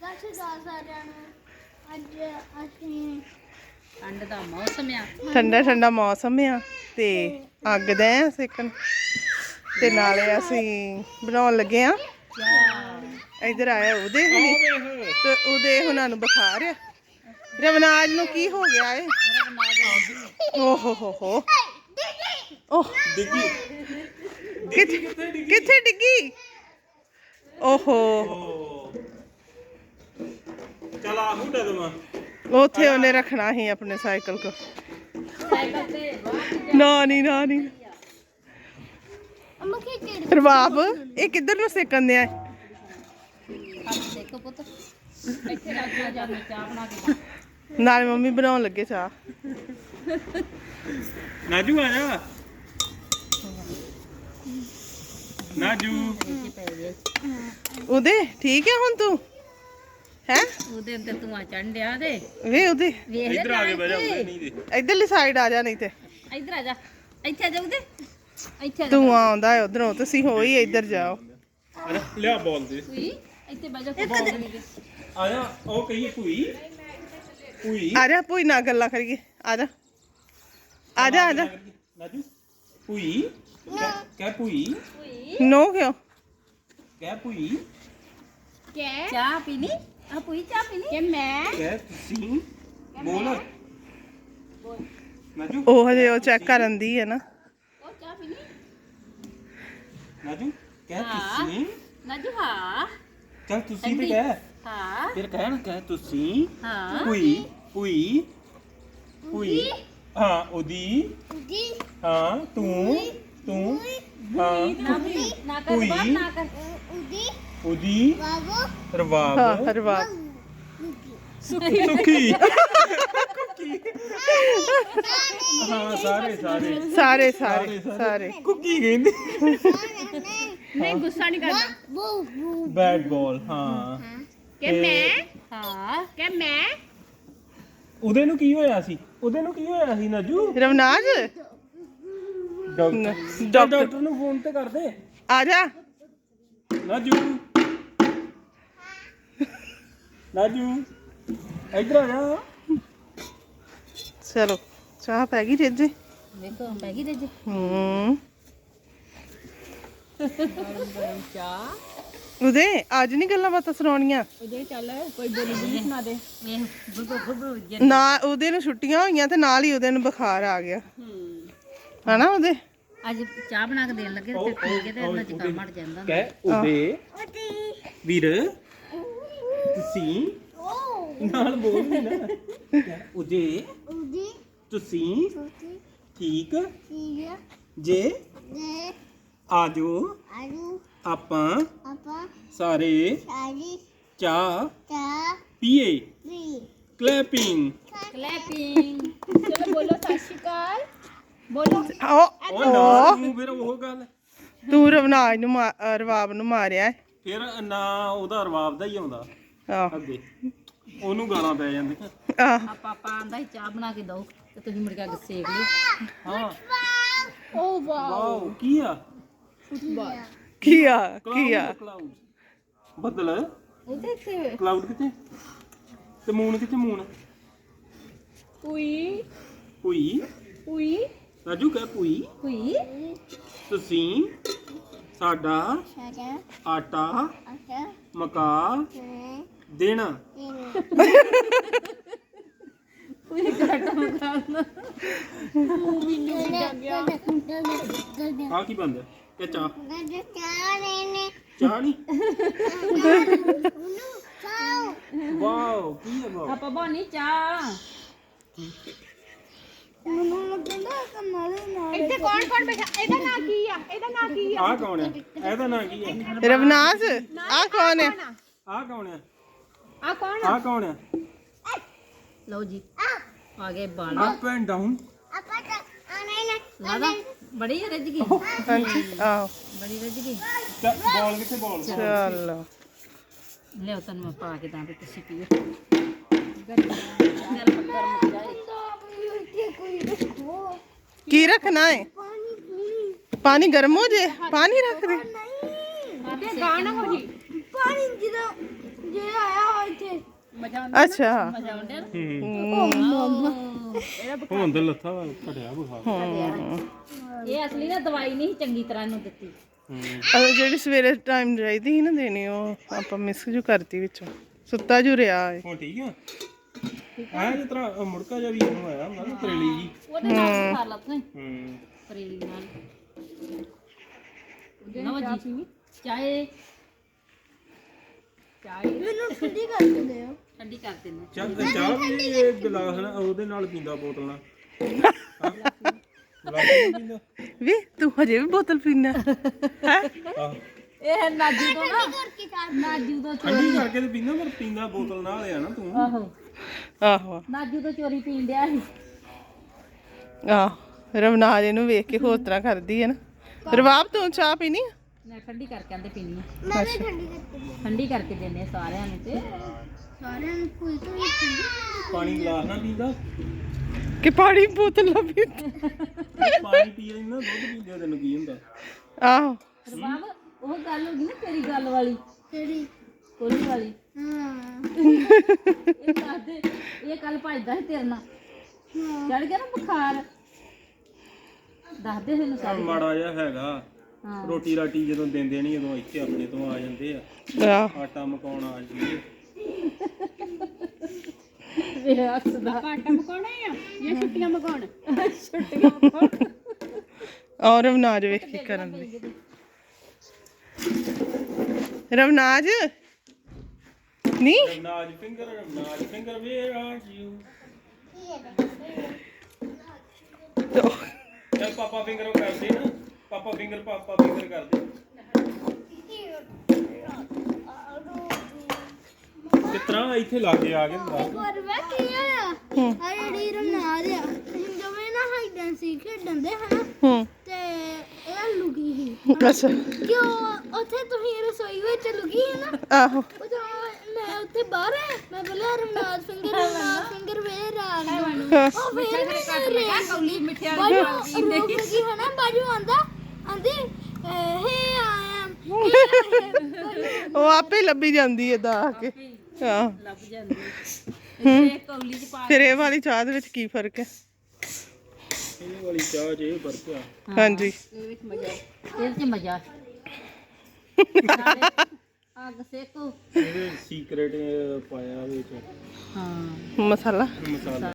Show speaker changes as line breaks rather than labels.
ਠੰਡ ਦਾ ਮੌਸਮ ਆ,
ਠੰਡਾ ਠੰਡਾ ਮੌਸਮ ਆ ਤੇ ਅੱਗ ਦੇ ਆ ਸੇਕਣ ਤੇ ਨਾਲੇ ਅਸੀਂ ਬਣਾਉਣ ਲੱਗੇ ਆ। ਇੱਧਰ ਆਇਆ ਉਹਦੇ ਹੁਣੀ ਤੇ ਉਹਦੇ ਹੁਣਾਂ ਨੂੰ ਬੁਖਾਰ ਆ। ਰਵਨਾਜ ਨੂੰ ਕੀ ਹੋ ਗਿਆ ਏ? ਓਹ ਹੋ ਓਹ
ਡਿੱਗੀ
ਕਿੱਥੇ ਡਿੱਗੀ? ਓਹੋ
ਚਲ ਆ ਹੁੱਡਾ ਦਮਾ
ਉੱਥੇ ਉਹਨੇ ਰੱਖਣਾ ਸੀ ਆਪਣੇ ਸਾਈਕਲ ਕੋ।
ਸਾਈਕਲ ਤੇ
ਨਾ ਨਹੀਂ ਰਬਾਬ ਇਹ ਕਿੱਧਰ ਨੂੰ ਸੇਕਣ ਦਿਆ?
ਦੇਖੋ ਪੁੱਤ, ਇੱਥੇ ਰੱਖ ਲਾ ਜਾ, ਮੈਂ ਚਾਹ ਬਣਾ ਕੇ
ਨਾਲੇ ਮੰਮੀ ਬਣਾਉਣ ਲੱਗੇ ਚਾਹ।
ਨਾਜੂ ਆ ਜਾ ਨਾਜੂ।
ਉਹਦੇ ਠੀਕ ਹੈ ਹੁਣ ਤੂੰ ਹੈ?
ਉਹਦੇ ਅੰਦਰ ਧੂਆਂ ਚੜ੍ਹਨ ਡਿਆ ਤੇ
ਵੇ ਉਹਦੇ
ਵੇਖ ਲੈ
ਇੱਧਰ ਆ ਕੇ ਬਹਿ ਜਾ ਉਹਦੇ ਨਹੀਂ ਦੇ
ਇੱਧਰਲੀ ਸਾਈਡ ਆ ਜਾ ਨਹੀਂ ਤੇ
ਇੱਧਰ ਆ ਜਾ, ਇੱਥੇ ਆ ਜਾ ਉਹਦੇ, ਇੱਥੇ ਆ ਜਾ
ਤੂੰ ਆਉਂਦਾ ਹੈ ਉਧਰੋਂ, ਤੁਸੀਂ ਹੋਈ ਇੱਧਰ ਜਾਓ।
ਅਰੇ ਲਿਆ ਬੋਲ ਦੇ
ਕੋਈ ਇੱਥੇ ਬਹਿ ਜਾ
ਆ ਜਾ। ਉਹ ਕਹੀਏ ਭੂਈ ਭੂਈ
ਆ ਜਾ ਭੂਈ ਨਾਲ ਗੱਲਾਂ ਕਰੀਏ। ਆ ਜਾ ਆ ਜਾ ਆ ਜਾ।
ਨਾਜੂ ਭੂਈ ਕਹਿ ਭੂਈ
ਨੋ ਕਿਉਂ?
ਕਹਿ ਭੂਈ
ਕਿਆ ਚਾਹ ਪੀਣੀ? ਆ ਪੂਈ ਚਾਹ ਪੀਣੀ ਕਿ ਮੈਂ
ਕਹਿ ਤੁਸੀਂ ਬੋਲ ਨਾਜੂ
ਉਹ ਹਜੇ ਉਹ ਚੈੱਕ ਕਰਨ ਦੀ ਹੈ ਨਾ।
ਉਹ ਚਾਹ ਪੀਣੀ?
ਨਾਜੂ ਕਹਿ
ਹਾਂ।
ਤੁਸੀਂ
ਨਾਜੂ ਹਾਂ
ਚੱਲ ਤੁਸੀਂ ਤੇ ਕਹਿ
ਹਾਂ
ਫਿਰ ਕਹਿ ਨਾ ਕਹਿ ਤੁਸੀਂ
ਹਾਂ
ਭੂਈ ਭੂਈ ਭੂਈ ਹਾਂ ਉਹਦੀ ਹਾਂ ਤੂੰ ਹਾਂ
ਨਾ ਵੀ ਨਾ ਕਰ
ਭੂਈ।
ਬਾਤ ਨਾ ਕਰ
ਉਹਦੀ ਰਵਾਬ
ਹਾਂ ਰਵਾਬ
ਸੁੱਖੀ ਕੁੱਕੀ ਹਾਂ ਸਾਰੇ
ਸਾਰੇ ਸਾਰੇ ਸਾਰੇ
ਕੁੱਕੀ ਕਹਿੰਦੇ
ਨਹੀਂ ਗੁੱਸਾ ਨਹੀਂ ਕਰਨਾ
ਬੈਟ ਬਾਲ ਹਾਂ
ਕਿ ਮੈਂ ਹਾਂ ਕਿ ਮੈਂ
ਉਹਦੇ ਨੂੰ ਕੀ ਹੋਇਆ ਸੀ ਨਾਜੂ?
ਰਵਨਾਜ
ਡਾਕਟਰ ਨੂੰ ਫੋਨ ਤੇ ਕਰ ਦੇ।
ਆ ਜਾ।
ਨਾਜੂ ਇੱਧਰ ਆ ਜਾ।
ਚਲੋ ਚਾਹ ਪੈ ਗਈ ਰੇਜੇ?
ਵੇਖੋ ਪੈ ਗਈ ਦੇ ਚਾਹ
ਉਹਦੇ ਅੱਜ ਨਹੀਂ ਗੱਲਾਂ ਬਾਤਾਂ ਸੁਣਾਉਣੀਆਂ
ਉਹਦੇ ਚੱਲ ਕੋਈ ਬੋਲੀ ਸੁਣਾ ਦੇ ਵੇਖ ਗੁੱਗੂ
ਨਾ। ਉਹਦੇ ਨੂੰ ਛੁੱਟੀਆਂ ਹੋਈਆਂ ਤੇ ਨਾਲ ਹੀ ਉਹਦੇ ਨੂੰ ਬੁਖਾਰ ਆ ਗਿਆ ਹਨਾ। ਉਹਦੇ
ਅੱਜ ਚਾਹ ਬਣਾ ਕੇ ਦੇਣ ਲੱਗੇ ਤੇ ਪੀ ਕੇ ਤੇ ਇਹਨਾਂ ਜ਼ੁਕਾਮ ਹਟ ਜਾਂਦਾ
ਕਹਿ ਉਹਦੇ ਵੀਰ ਤੁਸੀਂ ਨਾਲ ਬੋਲ ਨਹੀਂ ਨਾ। ਕਹਿ ਉਹਦੇ ਤੁਸੀਂ ਠੀਕ ਜੇ ਆਜੋ ਆਪਾਂ ਸਾਰੇ ਚਾਹ ਪੀਏ। ਕਲੈਪਿੰਗ
ਚਲੋ ਬੋਲੋ ਸਤਿ ਸ਼੍ਰੀ ਅਕਾਲ ਬੋਲੋ
ਉਹ ਨਾ ਤੂੰ ਫਿਰ ਉਹ ਗੱਲ
ਤੂੰ ਰਵਨਾਜ ਨੂੰ ਰਵਾਬ ਨੂੰ ਮਾਰਿਆ
ਫਿਰ ਨਾ ਉਹਦਾ ਰਵਾਬ ਦਾ ਹੀ ਆਉਂਦਾ
ਆਹ
ਅੱਗੇ ਉਹਨੂੰ ਗਾਲਾਂ ਪੈ ਜਾਂਦੀਆਂ।
ਆਹ
ਪਾਪਾ ਆਂਦਾ ਸੀ ਚਾਹ ਬਣਾ ਕੇ ਦੋ ਤੇ ਤੁਸੀਂ ਮੁੜ ਕੇ ਅੱਗ ਸੇਕ ਲਈ
ਹਾਂ
ਓ ਵਾਓ
ਵਾਓ ਕੀ ਆ
ਕੀ ਆ
ਕਲਾਉਡ ਬੱਦਲ
ਉਹਦੇ ਤੇ
ਕਲਾਉਡ ਕਿੱਥੇ ਤੇ ਮੂਨ ਕਿੱਥੇ ਮੂਨ
ਪੂਈ
ਭੂਈ ਰਾਜੂ ਕਹਿ ਭੂਈ
ਪੂਈ
ਤੁਸੀਂ ਸਾਡਾ ਆਟਾ ਮਕਾ ਦੇਣਾ।
ਪੂਈ ਘਾਟਾ ਮਕਾਨਾ
ਆ ਕੀ ਬੰਦ ਕਿ ਚਾਹ ਚਾਹ ਨਹੀਂ ਵਾਓ ਕੀ ਹੈ ਵਾਓ
ਆਪਾਂ ਬਾਨੀ ਚਾਹ ਇੱਥੇ ਕੌਣ ਬੈਠਾ? ਇਹਦਾ ਨਾਂ ਕੀ ਆ?
ਆ ਕੌਣ ਹੈ? ਇਹਦਾ ਨਾਂ ਕੀ ਹੈ?
ਰਵਨਾਜ ਆ ਕੌਣ ਹੈ?
ਆ ਕੌਣ ਹੈ?
ਆ ਕੌਣ
ਹੈ?
ਲਓ ਜੀ ਆ ਗਏ ਬਣ
ਅਪ ਐਂਡ ਡਾਊਨ
ਲਾਦਾ ਬੜੀ ਰੱਜ ਗਈ
ਹਾਂਜੀ ਆਹ
ਬੜੀ ਰੱਜ ਗਈ
ਬਾਲ ਕਿੱਥੇ ਬਾਲ
ਚਲੋ
ਲਿਓ ਤੈਨੂੰ ਮੈਂ ਪਾ ਕੇ ਦਾਂ ਤੇ ਤੁਸੀਂ ਪੀਓ ਗਰਮ ਜਾਏ
ਕੀ ਰੱਖਣਾ ਹੈ? ਪਾਣੀ ਗਰਮ ਹੋ ਜੇ ਪਾਣੀ ਰੱਖ ਦੇ।
ਗਾਣਾ ਹੋ ਜੀ
ਪਾਣੀ ਜਿਹੜਾ ਆਇਆ ਇੱਥੇ
ਅੱਛਾ
ਹੁਣ ਤੇ ਲੱਥਾ ਘਟਿਆ ਬੁਖਾਰ।
ਇਹ ਅਸਲੀ ਨਾ ਦਵਾਈ ਨਹੀਂ ਚੰਗੀ ਤਰ੍ਹਾਂ ਇਹਨੂੰ ਦਿੱਤੀ।
ਜਿਹੜੀ ਸਵੇਰੇ ਟਾਈਮ ਚਾਹੀਦੀ ਸੀ ਨਾ ਦੇਣੀ, ਉਹ ਆਪਾਂ ਮਿਸ ਜੂ ਕਰਤੀ ਵਿੱਚੋਂ, ਸੁੱਤਾ ਜੂ ਰਿਹਾ ਏ।
ਹੁਣ ਠੀਕ ਆ ਆ ਜਿਸ ਤਰ੍ਹਾਂ ਮੁੜਕਾ ਜਿਹਾ ਵੀ ਇਹਨੂੰ ਆਇਆ ਹੁੰਦਾ ਨਾ ਤਰੇਲੀ ਜੀ।
ਉਹਦੇ ਨਾਲ ਖਾ ਲਾ ਤੂੰ
ਹੂੰ
ਕਰੇਲੀ ਨਾਲ। ਲਓ ਜੀ ਚਾਹ
ਮੈਨੂੰ ਠੰਡੀ ਕਰ ਦਿਓ।
ਠੰਡੀ ਕਰ ਦਿੰਦੇ।
ਚਾਹ ਵੀ ਇਹ ਗਲਾਸ ਨਾਲ ਉਹਦੇ ਨਾਲ ਪੀਂਦਾ, ਬੋਤਲ ਨਾਲ। ਗਲਾਸ ਨਾਲ ਪੀਂਦਾ।
ਵੀ ਤੂੰ ਹਜੇ ਵੀ ਬੋਤਲ ਪੀਣਾ ਹੈ?
ਆਹ
ਇਹ ਨਾਜੂ ਤੋਂ ਨਾ ਨਾਜੂ ਤੋਂ
ਠੰਡੀ ਕਰਕੇ ਤੇ ਪੀਂਦਾ, ਪਰ ਪੀਂਦਾ ਬੋਤਲ ਨਾਲ ਆ ਨਾ ਤੂੰ।
ਆਹੋ
ਆਹੋ
ਨਾਜੂ ਤੋਂ ਚੋਰੀ ਪੀਣ ਡਿਆ ਸੀ।
ਆਹ ਰਵਨਾਜ ਇਹਨੂੰ ਵੇਖ ਕੇ ਹੋਰ ਤਰ੍ਹਾਂ ਕਰਦੀ ਹੈ ਨਾ। ਰਵਾਬ ਤੂੰ ਚਾਹ ਪੀਣੀ ਆ?
ਮੈਂ ਠੰਡੀ ਕਰਕੇ ਆਂਦੇ ਪੀਣੀ ਆ।
ਮੈਂ ਵੀ ਠੰਡੀ ਕਰਕੇ
ਠੰਡੀ ਕਰਕੇ ਦਿੰਦੇ ਆ ਸਾਰਿਆਂ ਨੂੰ ਤੇ
ਸਾਰਿਆਂ ਨੂੰ ਕੋਈ ਤੋਂ ਵੀ ਠੰਡੀ।
ਪਾਣੀ ਗਲਾਸ ਨਾਲ ਪੀਂਦਾ,
ਕਿ ਪਾਣੀ ਬੋਤਲ ਨਾਲ ਪੀਂਦਾ?
ਪਾਣੀ ਪੀ ਲੈਂਦਾ, ਦੁੱਧ ਪੀਂਦਾ, ਤੈਨੂੰ ਕੀ ਹੁੰਦਾ?
ਆਹੋ
ਰਬਾਬ ਉਹ ਗੱਲ ਹੋ ਗਈ ਨਾ ਤੇਰੀ ਗੱਲ ਵਾਲੀ,
ਕਿਹੜੀ?
ਕੋਲੀ ਵਾਲੀ।
ਹਾਂ
ਇਹ ਦੱਸਦੇ ਇਹ ਕੱਲ ਭੱਜਦਾ ਸੀ ਤੇਰੇ ਨਾਲ, ਚੜ ਗਿਆ ਨਾ ਬੁਖਾਰ। ਦੱਸਦੇ ਮੈਨੂੰ
ਚੱਲ ਮਾੜਾ ਜਿਹਾ ਹੈਗਾ।
ਹਾਂ
ਰੋਟੀ ਰਾਟੀ ਜਦੋਂ ਦਿੰਦੇ ਨਹੀਂ, ਉਦੋਂ ਇੱਥੇ ਆਪਣੇ ਤੋਂ ਆ ਜਾਂਦੇ ਆ।
ਆਹ
ਆਟਾ ਮਕਾਉਣ ਆ ਜੀ।
ਇਹ ਹੱਸਦਾ।
ਆਟਾ ਮਕਾਉਣਾ ਆ ਜਾਂ ਛੁੱਟੀਆਂ ਮਕਾਉਣ?
ਛੁੱਟੀਆਂ ਮਕਾਉਣ।
ਔਰ ਰਵਨਾਜ ਵੇਖ ਕੇ ਕਰਨ ਦੀ। ਰਵਨਾਜ ਨਹੀਂ
ਨਾਜ ਫਿੰਗਰ ਵੇਅਰ ਆਰ ਯੂ? ਚੱਲ ਪਾਪਾ ਫਿੰਗਰ ਕਰਦੇ ਨਾ, ਪਾਪਾ ਫਿੰਗਰ ਕਰਦੇ। ਕਿਸ ਤਰ੍ਹਾਂ ਇੱਥੇ ਲਾਗੇ ਆ ਗਏ ਹੁੰਦਾ।
ਪਰ ਵੇ ਕੀ ਹੋਇਆ? ਆ ਜਿਹੜੀ ਰਮਨਾਦ ਆ, ਅਸੀਂ ਦੋਵੇਂ ਨਾ ਹਾਈਡ ਐਂਡ ਸੀਕ ਖੇਡਣ ਦੇ ਹਨਾ,
ਹੂੰ
ਤੇ ਇਹ ਲੁਕੀ ਸੀ।
ਅੱਛਾ
ਕਿਉਂ ਉੱਥੇ ਤੁਸੀਂ ਰਸੋਈ ਵਿੱਚ ਲੁਕੀ ਸੀ ਨਾ,
ਆਹੋ
ਉਦੋਂ ਮੈਂ ਉੱਥੇ ਬਾਹਰ ਆ, ਮੈਂ ਬੋਲਿਆ ਰਮਨਾਦ ਫਿੰਗਰ ਵੇਰ ਆ ਗਈ। ਉਹ ਫੇਰ ਮੈਂ
ਕੌਲੀ ਮਿੱਠਿਆ
ਬਾਜੂ ਰੋਕ ਗਈ ਹਨਾ, ਬਾਜੂ ਆਂਦੀ ਹੇ ਆਇਆ
ਉਹ ਆਪੇ ਲੱਭੀ ਜਾਂਦੀ ਹੈ ਦਾ ਕੇ। ਆਹ
ਲੱਭ ਜਾਂਦੀ ਇਹ ਕੌਲੀ ਚ ਪਾ
ਫਿਰ ਇਹ ਵਾਲੀ ਚਾਹ ਦੇ ਵਿੱਚ ਕੀ ਫਰਕ ਹੈ?
ਇਹ ਵਾਲੀ ਚਾਹ 'ਚ ਇਹ ਫਰਕ ਆ।
ਹਾਂਜੀ
ਇਹਦੇ ਵਿੱਚ ਮਜ਼ਾ, ਇਹਦੇ ਚ ਮਜ਼ਾ। ਅੱਗ ਸੇਕੋ।
ਇਹਦੇ ਸੀਕ੍ਰੇਟ ਪਾਇਆ ਵਿੱਚ
ਹਾਂ
ਮਸਾਲਾ
ਮਸਾਲਾ।